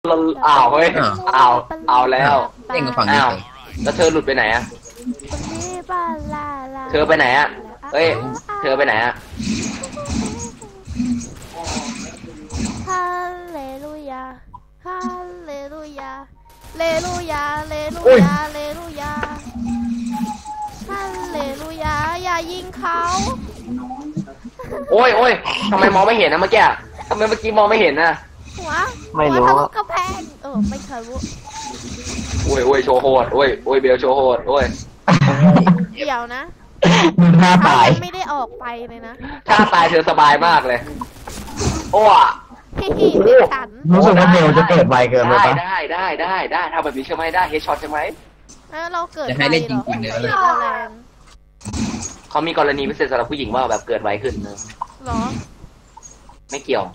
อ้าวเฮ้ยอ้าวเอาแล้วเล่นกับฝั่งนี้อ้าวเลยแล้วเธอหลุดไปไหนอะเธอไปไหนอะเฮ้ยเธอไปไหนอะฮาเลลูยาฮาเลลูยาเลลูยาเลลูยาเลลูยาฮาเลลูยาอย่ายิงเขาโอ้ยโอ้ยทำไมมองไม่เห็นนะเมื่อกี้ทำไมเมื่อกี้มองไม่เห็นนะหัวไม่รู้หัวทะลุกระแพงไม่เคยรู้โอ้ยโอ้ยโชว์โหดโอ้ยโอ้ยเบลโชว์โหดโอ้ยเดี๋ยวนะมึงท่าเขาตายยังไม่ได้ออกไปเลยนะถ้าตายเธอสบายมากเลยโอ้ะพี่เป็นฉันรู้สึกว่าเบลจะเกิดไวเกินไปได้ปะได้ทำแบบนี้ใช่ไหมได้เฮดช็อตใช่ไหมแล้วเราเกิดจะให้เล่นจริงๆเลยเกิดแรงเขามีกรณีพิเศษสำหรับผู้หญิงว่าแบบเกิดไวขึ้นนะเหรอไม่เกี่ยว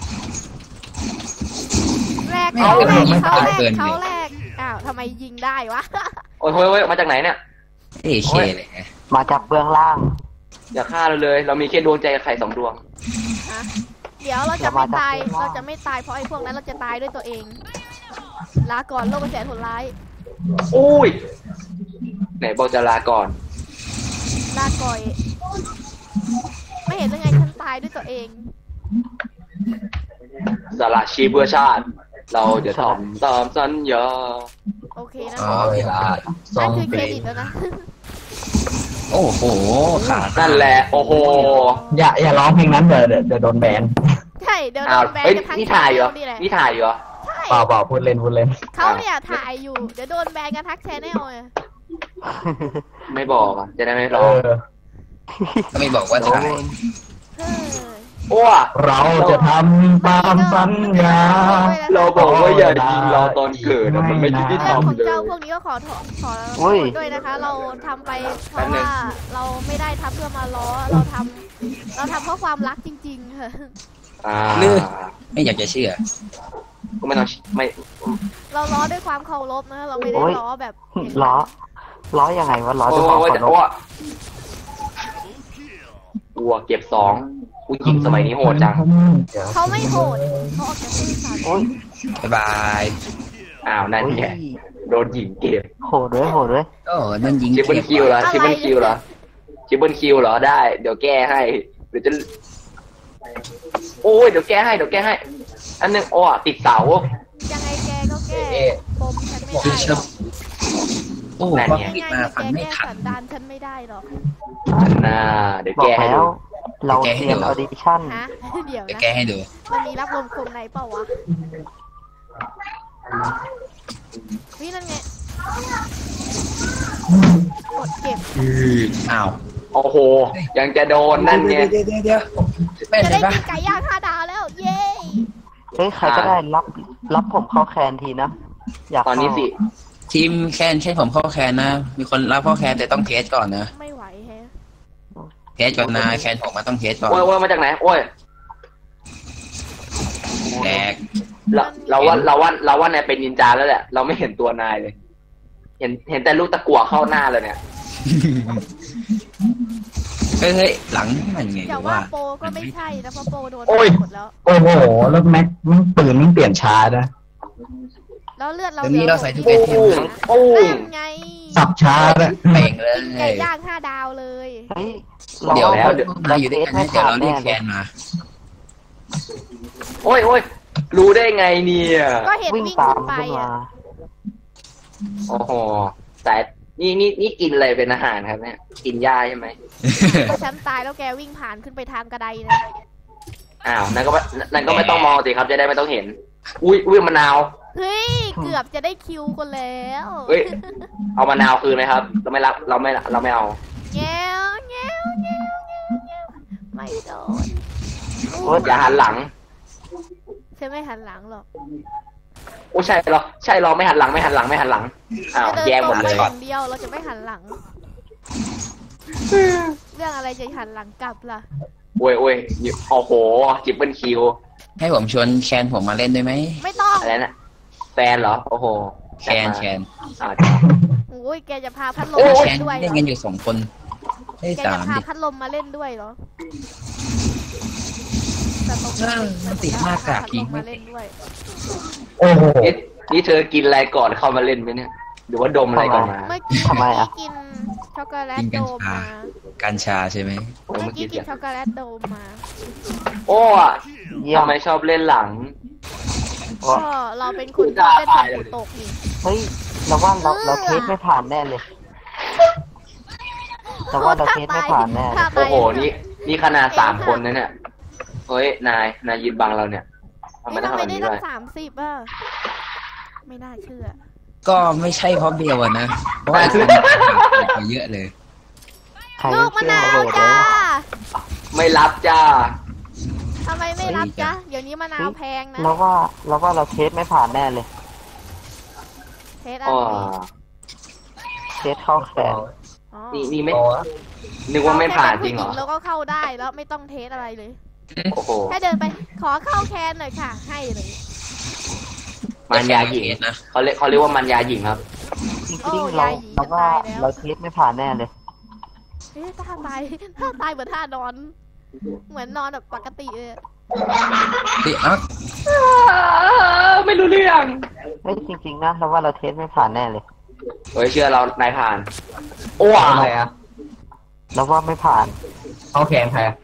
แรกเขาแรกอ้าวทำไมยิงได้วะโอ้ยโอ้ยมาจากไหนเนี่ยเอเคเลยมาจากเบื้องล่างอย่าฆ่าเราเลย เรามีแค่ดวงใจกับไข่2 ดวงเดี๋ยวเราจะไม่ตายเราจะไม่ตายเพราะไอ้พวกนั้นเราจะตายด้วยตัวเองลาก่อนโลกกระแสผลร้ายอุ้ยไหนบอกจะลาก่อนลาก่อยไม่เห็นยังไงฉันตายด้วยตัวเองสละชีพเพื่อชาติ เราจะทำตามสัญญาโอเคนะอ๋อเวลานั่นคือเครดิตแล้วนะโอ้โหขานั่นแหละโอ้โหอย่าร้องเพลงนั้นเดี๋ยวโดนแบนใช่เดี๋ยวโดอ้าวนแบนเฮ้ยกันทั้งนี่ถ่ายเหรอนี่แหละนี่ถ่ายเหรอใช่เปล่าพูดเล่นเขาเนี่ยถ่ายอยู่เดี๋ยวโดนแบนกันทั้งแชนแนลเลยไม่บอกอ่ะจะได้ไม่เอร้องอก็ไม่บอกว่าถ่ายเฮ้ยโอ้เราจะทำตามสัญญาเราบอกว่าอย่ายิงเราตอนเกิดอะมันไม่ยุติธรเรื่รองมของเลยเจ้าพวกนี้ก็ขอโทษด้วยนะคะ เราทำไปเพราะว่าเราไม่ได้ทำเพื่อมาล้อเราทำเพราะความรักจริงๆค่ะไม่อยากจะเชื่อก็ไม่ต้องไม่เราล้อด้วยความเคารพนะเราไม่ได้ล้อแบบล้อยังไงวะล้อโอ้ด้วยความยเคารโอ้พยวัวเก็บ2ผู้หญิงสมัยนี้โหดจังเขาไม่โหดเขาออกจากซื่อสัตย์โอ้ยบ๊ายบายอ้าวนั่นแกโดนหญิงเก็บโหดด้วยโอ้นั่นยิงชิปเปิลคิวเหรอชิปเปิลคิวเหรอชิปเปิลคิวเหรอได้เดี๋ยวแก้ให้เดี๋ยวจะโอ้ยเดี๋ยวแก้ให้อันนึงโอ้ติดเสายังไงแกก็แก้ปมฉันไม่ได้หรอกโอ้ก็ปิดมาฟังแกไม่แก้ทันสันดานฉันไม่ได้หรอกน่าเดี๋ยวบอกแก้ให้แล้ดูว เราเตรียมออดิชั่นฮะเดี๋ยวจะนะแก้ให้ดูมันมีรับลมคมในเปล่าวะวินั่นไงกดเก็บอ้าวโอ้โหยังจะโดนนั่นไงเดี๋ยวไม่จะเห็ได้นปะกินไก่ย่าง5 ดาวแล้ว เย้เฮ้ยใครก็ได้รับผมเข้าแคนทีนะ อยากตอนนี้สิทีมแคนใช่ผมเข้าแคนนะ มีคนรับเข้าแคนแต่ต้องเทสก่อนนะไม่ไหวแฮะเทสก่อนนะแคนผมมาต้องเทสก่อนโอ้ยมาจากไหนโอ้ยแดกเราว่านายเป็นนินจาแล้วแหละเราไม่เห็นตัวนายเลย เห็นแต่ลูกตะกั่วเข้าหน้าเลยเนี่ยเฮ้ยหลังมันไงอย่าว่าโปก็ไม่ใช่นะเพราะโปโดนโอ้ยหมดแล้วโอ้โหแล้วแม็กปืนมันเปลี่ยนช้านะแล้วเลือดเราเดี๋ยวนี้เราใส่ทุกโอ้ไอเทมนะโอ้นั่นไงสับช้านะเป่งเลยไก่ย่าง5 ดาวเลยเฮ้ยเดี๋ยวแล้วมาอยู่ด้วยกันนะเดี๋ยวเราเรียกแคนมาโอ้ยรู้ได้ไงเนี่ยก็เห็นวิ่งวิ่งตาขึ้มนไปขึ้นมาอ่ะโอ้โหแต่นี่กินอะไรเป็นอาหารครับเนี่ยกินหญ้าใช่ไหมฉันตายแล้วแกวิ่งผ่านขึ้นไปทางกระไดนะอ้าวนั่นก็ไม่ต้องมองสิครับจะได้ไม่ต้องเห็น อุ้ยมะนาวเฮ้ยเกือบจะได้คิวกันแล้วเฮ้ยเอามะนาวคืนไหมครับเราไม่รับเราไม่เอาแง้วแง้วแง้วแง้วแง้วไม่โดนอย่าหันหลังฉันไม่หันหลังหรอกโอ้ใช่เหรอไม่หันหลังอ้าวจะเดินแย่ตหรมงดไปเลยอย่างเดียวเราจะไม่หันหลัง เรื่องอะไรจะหันหลังกลับล่ะโอ้ยโอ้โหจิบเปิลคิวให้ผมชวนแคนผมมาเล่นด้วยไหมไม่ต้องอะไรนะแฟนเหรอโอ้โหแคนอ่าโอ้ยแกจะพาพัดลมโอ้มาแคเล่นนด้วยเล่นเหรกัอนอยู่2 คนเฮ้ยแกสาจะมพาดิพัดลมมาเล่นด้วยเหรอแต่ตกมันติดหน้ากากยิงไม่พัดลมมาเล่นด้วยโอ้โอ้โหนี่เธอกินอะไรก่อนเข้ามาเล่นไหมเนี่ย หรือว่าดมอะไรก่อนมาเมื่อกี้ทำไมอะกินช็อกโกแลตกินโดกัญมชามากัญชาใช่ไหมโอ้ยเมื่เมื่ออกี้กี้กินช็อกโกแลตโดมมาโอ้อะเยี่ยมทำไมชอบเล่นหลังโอ้ก็เราเป็นคนชอบเล่นทำปูตกนี่เฮ้ยเราว่าเราเทสไม่ผ่านแน่เลยเราว่าเราเทสไม่ผ่านแน่เลยโอ้โห นี่ขนาด3 คนนะเนี่ย เฮ้ย นายยืนบังเราเนี่ยทำไมนี่ต้องทำทำไมแบบได้นี้ตั้ด้วยง30อ่ะไม่น่าเชื่อก็ไม่ใช่เพราะเบลอะนะเพราะว่าคนไปเยอะเลยใครลูกมะเชื่อนาวระเบิดเลจ้ายไม่รับจ้าทำไมไม่รับจ้าเดี๋ยวนี้มะนาวแพงนะเราว่าเราเทสไม่ผ่านแน่เลยเทสอันอ๋อนี้เทสเข้าแขนอ๋อนี่ไม่ นึกว่าไม่ผ่านจริงเหรอแล้วก็เข้าได้แล้วไม่ต้องเทสอะไรเลยโอ้โหแค่เดินไปขอเข้าแคนหน่อยค่ะ ให้เลยมันยาหญิงนะเขาเรียกว่ามันยาหญิงครับจริงๆเราว่าเราเทสไม่ผ่านแน่เลยเอ๊ะท่าตายท่าตายเหมือนท่านอน เหมือนนอนแบบปกติเลยเฮ้ยเอ้าไม่รู้เรื่องเฮ้ยจริงๆนะเราว่าเราเทสไม่ผ่านแน่เลยเฮ้ยเชื่อเรา นายผ่าน โอ้อะไรอะเราว่าไม่ผ่านเข้าแขนใครอะ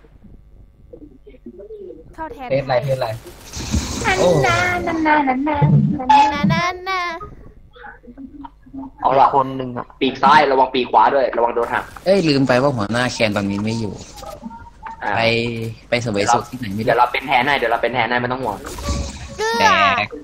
เข้าแทนเทสอะไรเทสอะไรโอ้นั่นน่ะเอาล่ะคนหนึ่งอะปีกซ้ายระวังปีกขวาด้วย ระวังโดนหักเอ้ยลืมไปว่าหัวหน้าแคนตอนนี้ไม่อยู่อ่าไปเสวยสุขที่ไหนไม่เดี๋ได้ยวเราเป็นแทนให้ไม่ต้องห่วงเกลืแตอก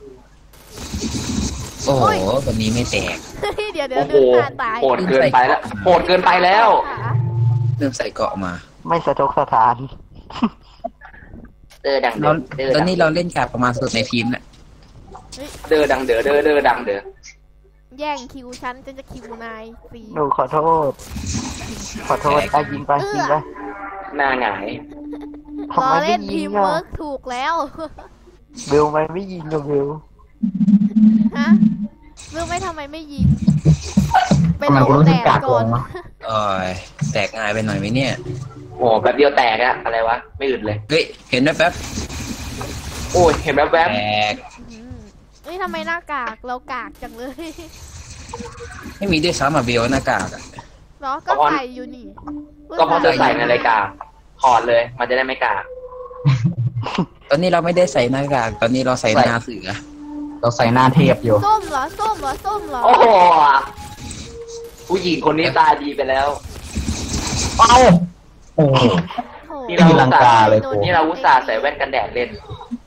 โอ้โหวันนี้ไม่แตกเดี๋ยวโอ้โหดูท่าตายโหดเกินไปแล้วโหดเกินไปแล้วขาเริ่มใส่เกราะมาไม่สะทกสถานเดอดังเดเราอเดอตอดันงนี้เราเล่นกับประมาณสุดในทีมน่ะเดอดังเดอเดอเดอดังเดอแย่งคิวฉันจะคิวนายสีหนูขอโทษ ขอโทษอ่ะยิงไปยิงไปหน้าหงายทำรอไมไม่เล่นยิทีงมอ่ะเวิร์กถูกแล้วเบลไม่ยิงอ่ะเบลฮะรู้ไหมทำไมไม่ยิงไปทำไมลกูงรู้สึแดกดกากก่อนวะโอ้ยแตกง่ายไปหน่อยไหมเนี่ยโอ้แบบเดียวแตกอะอะไรวะ ไม่อึดเลยเฮ้ยเห็นไหมแป๊บโอ้ยเห็นแวบแตกอืมเอ้ยทำไมหน้ากากเรากากจังเลยไม่มีด้วยซ้ำอ่ะเบลหน้ากากอะเนาะก็ใส่อยู่นี่ๆก็เพราะเธอใส่ในรายการถอดเลย มันจะได้ไม่กากตอนนี้เราไม่ได้ใส่หน้ากากตอนนี้เราใส่หน้าเสือเราใส่หน้าเทพอยู่ส้มเหรอส้มเหรอส้มเหรอโอ้โหผู้หญิงคนนี้ตาดีไปแล้วเอ้าโอ้โหโถนี่เราตีลังกาเลยกูนี่เราอุตส่าห์ใส่แว่นกันแดดเล่น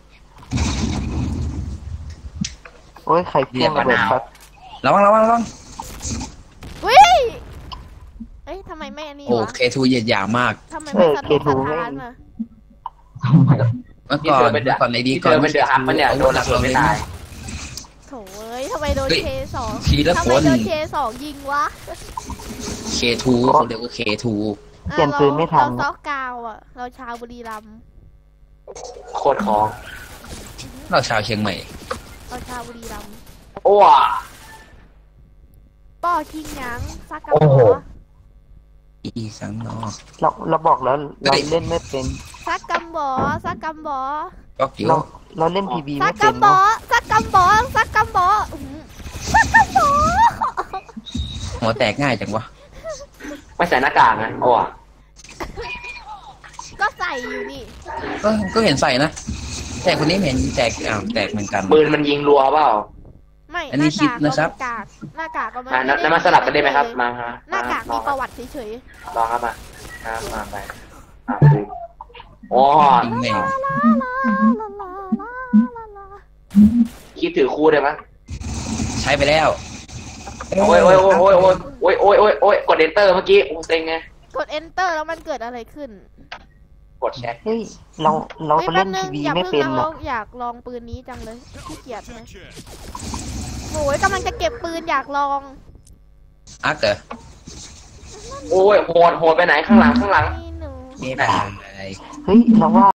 โอ้ยใครเพี้ยงระเบิดครับระวังระวังระวังวิเอ้ยทำไมไม่อันนี้โอ้วะเคทูเหยียดหยามมากทำไมไม่สะทกสะท้านมาทำไมเมื่อก่อนเมื่อก่อนในดีที่ก่เธอนอเป็นเดือดฮักมันเนี่ยโดนระเบิดไม่ตายโถเอ้ยทำไมโดนเฮ้ยเคสองทีละทำคไมนโดนเคสองยิงวะเคทูเขาเรียกว่าเคทูอ่ะเปลี่ยนปืนไม่ทันเราซอกกาวอ่ะ เราชาวบุรีรัมย์โคตรของเราชาวเชียงใหม่เราชาวบุรีรัมย์โอ้ป้อคิงหยังซักกะโอ้บโหออีสังนอกเราบอกแล้วเราเล่นไม่เป็นซักกำบอซักกำบอก็เดี๋ยวเราเล่นพีบีซัไม่กเป็นกำบอเนาะซักกำบอซักกำบออื้อหือซักกำบอหัวแตกง่ายจังวะไม่ใส่หน้ากากนะโอ้ก็ใส่อยู่นี่ก็เห็นใส่นะ แต่คนนี้ไม่เห็นแตกอ้าวแตกเหมือนกันปืนมันยิงรัวเปล่าไม่อันนี้คิดนะครับหน้ากากก็อ่ะนั้นมาสลับกันได้ไหมครับ มาฮะหน้ากากลมีองประวัติเฉยลองครับมาไปดูโอ้ยิงแม่งๆลาลาลาลาลาลาคิดถือคู่ได้ไหมใช้ไปแล้วโอ้ยกด enter เมื่อกี้โอ้เซ็งไงกด enter แล้วมันเกิดอะไรขึ้นกดแชทเฮ้ยเราฮ้ยเล่นแป๊พีบบีอย่าไม่เพิ่งเป็นนะอ่ะเราอยากลองปืนนี้จังเลยขี้เกียจนะโอ้ยกำลังจะเก็บปืนอยากลองอักเหรอโอ้ยโหดไปไหนข้างหลังนี่หนูนี่ไปเฮ้ยเราว่า